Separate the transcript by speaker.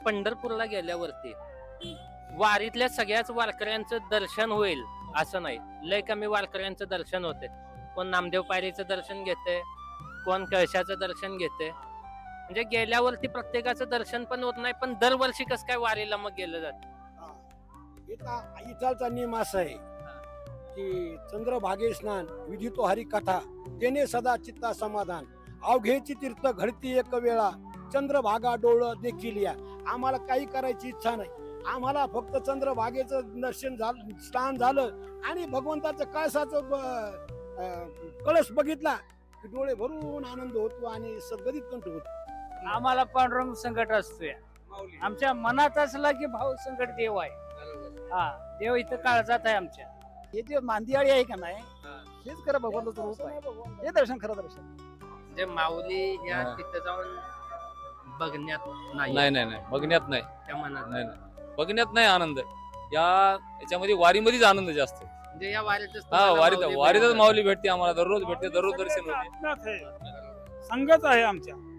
Speaker 1: पंढरपूरला गेल्यावरती वारीतल्या सगळ्याच वारकऱ्यांचं दर्शन होईल असं नाही. लय कमी वारकऱ्यांचं दर्शन होते. कोण नामदेव पायरीचं दर्शन घेते, कोण कळशाचं दर्शन घेते. म्हणजे गेल्यावरती प्रत्येकाचं दर्शन पण होत नाही. पण दरवर्षी कसं काय वारीला मग गेलं जात?
Speaker 2: इथालचा नियम असा आहे की चंद्रभागे स्नान विधितो हरी कथा तेने सदा चित्ता समाधान अवघेची तीर्थ घडती एक वेळा चंद्रभागा डोळ देखील या. आम्हाला काही करायची इच्छा नाही. आम्हाला फक्त चंद्रभागेचं दर्शन झालं, स्नान झालं आणि भगवंताचं कळसाचं कळस बघितला की डोळे भरून आनंद होतो आणि सद्गतीत कंठ होतो.
Speaker 3: आम्हाला पांडुरंग संकट असतोय. आमच्या मनात असला की भाऊ संकट देव आहे. हा, देव इथं काळजात आहे आमच्या.
Speaker 4: हे जे मांदियाळी आहे का नाही, हेच खरं भगवंताचं रूप आहे. हे दर्शन खरं दर्शन.
Speaker 1: म्हणजे माऊली या तिथं जाऊन बघण्यात नाही.
Speaker 5: नाही नाही नाही बघण्यात नाही.
Speaker 1: त्या मनात
Speaker 5: नाही नाही बघण्यात नाही आनंद. याच्यामध्ये वारीमध्येच आनंद जास्त आहे.
Speaker 1: म्हणजे या वारीतच
Speaker 5: हा
Speaker 1: तुम्हाला
Speaker 5: वारीतच
Speaker 1: माऊली
Speaker 5: माऊली भेटते आम्हाला. दररोज भेटते, दररोज दर्शन होते.
Speaker 6: संगत आहे आमच्या.